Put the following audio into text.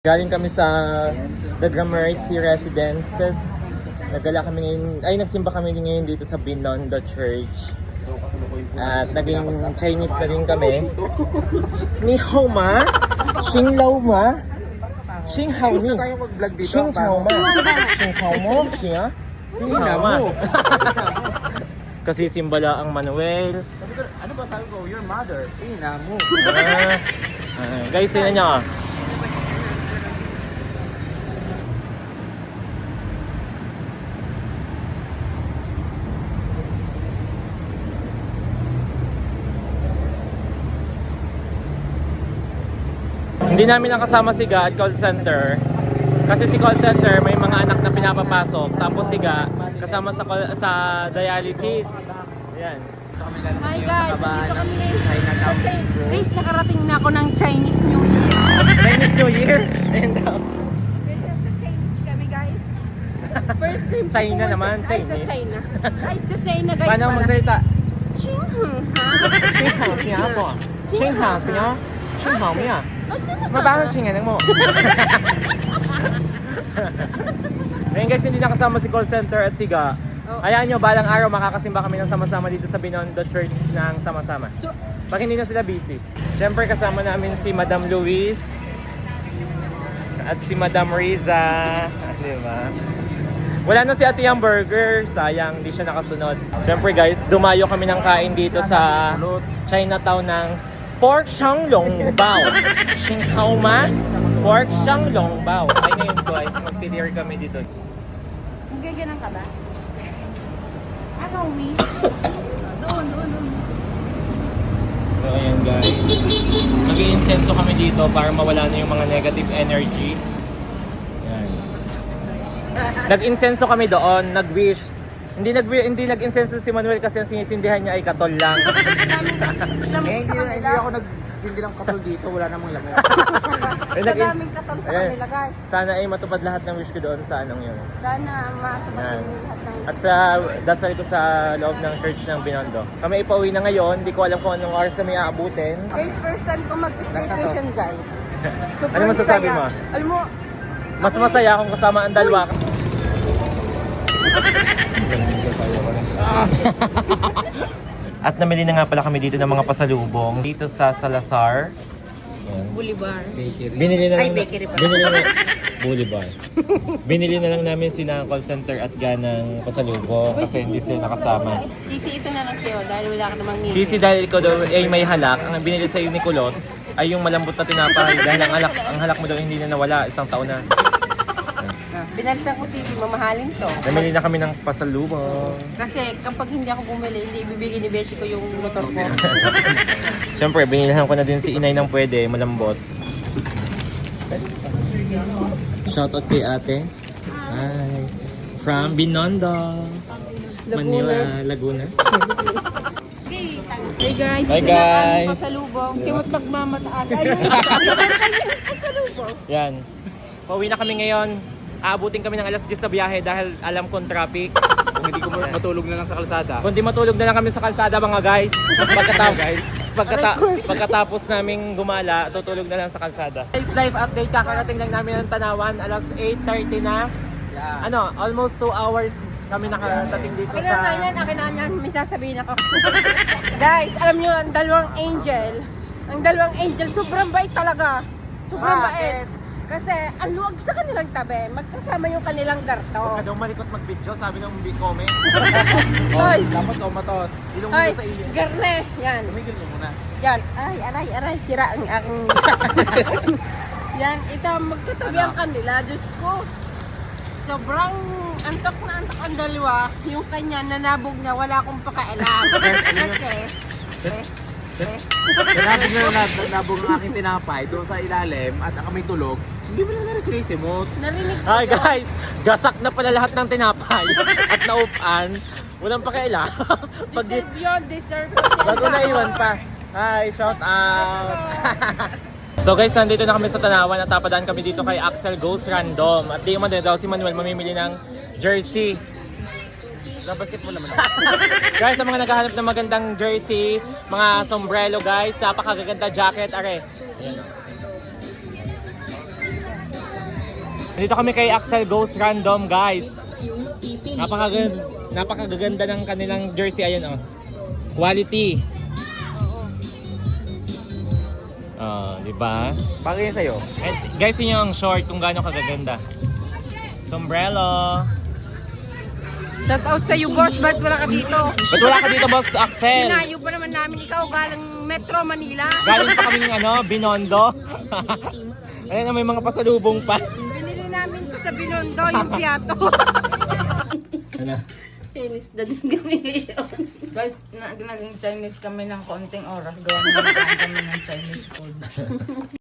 Galing kami sa The Gramercy Residences. Nagsimba kami ngayon dito sa Binondo Church. At naging Chinese na din kami. Ni hao ma, xing lao ma, xing hao ni, xing hao ma, xing hao mo, xing hao ma. Kasi simbala ang Manuel. Ano ba sabi ko? Your mother. Ina mo. Guys, tingnan nyo. Hindi namin nakasama si Ga at call center. Kasi si call center may mga anak na pinapapasok. Tapos si Ga kasama sa dialysis. Ayan. Hi guys, dito kami sa China. Guys, nakarating na ako ng Chinese New Year. Chinese New Year? Ayan daw. Guys, sa Chinese kami guys. First time ko China pumunta- naman, Ay, Chinese. sa China. Ay, sa China guys. Paano pala. magsalita? Xinhang ha? Xinghao siya po. Xinghao siya. Xinghao miya. Oh, sino ba? Mabaho siya mo. Ngayon guys, hindi nakasama si call center at si Ga. Oh. Ayan nyo, balang araw makakasimba kami ng sama-sama dito sa Binondo Church ng sama-sama. So, Pag hindi na sila busy. Siyempre kasama namin si Madam Luis at si Madam Riza. Di ba? Wala na si Ate Yang Burger. Sayang, hindi siya nakasunod. Siyempre guys, dumayo kami ng kain dito sa Chinatown ng Pork Shanglong Bao. Xinghao ma, Pork Shanglong Bao. Ay ngayon guys, mag-dinner kami dito. gaganan ka ba? Anong wish? Doon. So ayan guys, nag-i-incenso kami dito para mawala na yung mga negative energy. Ayan. Nag-incenso kami doon, nag-wish. Hindi nag-incenso si Manuel kasi ang sinisindihan niya ay katol lang. Lamok sa Hindi kanila. ako nagsindi ng katol dito. Wala namang lamok. Daming katol sa Ayan. kanila guys. Sana ay matupad lahat ng wish ko doon sa anong yun. Sana matupad Ayan. din lahat ng At sa dasal ko sa loob ng church ng Binondo. Kami ipauwi na ngayon, hindi ko alam kung anong oras kami aabutin. Guys, first time ko mag-staycation guys. Super Ano masasabi saya. mo? Alam mo, Mas masaya kung kasama ang dalawa. At namili na nga pala kami dito ng mga pasalubong dito sa Salazar. Ayan. Bolivar. Binili na Ay, lang bakery pala. binili na Boulevard. Binili na lang namin sina call center at ganang pasalubong kasi hindi sila nakasama. Sisi, ito na lang sa'yo dahil wala ka namang ngipin. Sisi dahil ikaw daw ay may halak, ang binili sa ni Kulot ay yung malambot na tinapay dahil ang halak mo daw hindi na nawala, isang taon na. Binalitan ko Sisi, mamahalin to. Namili na kami ng pasalubong. Kasi kapag hindi ako bumili, hindi ibibigay ni Beshi ko yung motor ko. Siyempre, binilhan ko na din si Inay ng pwede, malambot. Shoutout kay ate. Hi. From Binondo. Manila, Laguna. Hey guys, Hi, guys. pasalubong. Timot nagmamataas. Ay, pasalubong. Yan. Pauwi na kami ngayon. Aabutin kami ng alas 10 sa biyahe dahil alam kong traffic. Kung hindi ko matulog na lang sa kalsada. Kundi matulog na lang kami sa kalsada mga guys. Pagkatapos naming gumala, tutulog na lang sa kalsada. Guys, live update, kakarating lang namin ng Tanawan, alas 8:30 na. Yeah. Ano, almost 2 hours kami nakarating dito Akin na yan, akin na yan. May sasabihin ako. Guys, alam nyo, ang dalawang angel, sobrang bait talaga. Sobrang bait. Kasi ang luwag sa kanilang tabi, magkasama yung kanilang garto. Huwag ka daw malikot mag-video, sabi ng comment. Ay, Dapat umatos. Ilong mo ay, sa ilong. garne, yan. Tumigil mo muna. Yan, aray, sira ang aking... Yan, ito, magkatabi ang kanila, Diyos ko. Sobrang antok na antok ang dalawa. Yung kanya, nanabog niya, wala akong pakailam. Kasi, Nabog ang aking tinapay doon sa ilalim at kami tulog. Hindi mo lang narisimot. narinig ko Hi yun. guys, gasak na pala lahat ng tinapay at naupan. Walang pakialam. Deserve yun, deserve ko. Bago na iwan pa. Hi, shout out. So guys, nandito na kami sa Tanawan at tapadaan kami dito kay Axel Goes Random. At di man daw si Manuel mamimili ng jersey. Basketball naman. Guys, sa mga naghahanap ng magandang jersey, mga sombrero guys, napakaganda jacket, are. Ayan. Dito kami kay Axel Goes Random, guys. Napakaganda ng kanilang jersey. Ayun, oh. Quality. Oh, di ba? Bagay yan sa'yo. And guys, yun yung short kung gaano kagaganda. Sombrero. Shout out sa'yo, boss. Ba't wala ka dito? Ba't wala ka dito, Boss Axel? Tinayo pa naman namin ikaw galing Metro Manila. Galing pa kaming Binondo. Ayun na, may mga pasalubong pa. Binili namin ko sa Binondo, yung piato. Ano? Chinese na din kami ngayon. Guys, naging Chinese kami ng konting oras. Gawa naman kami ng Chinese food.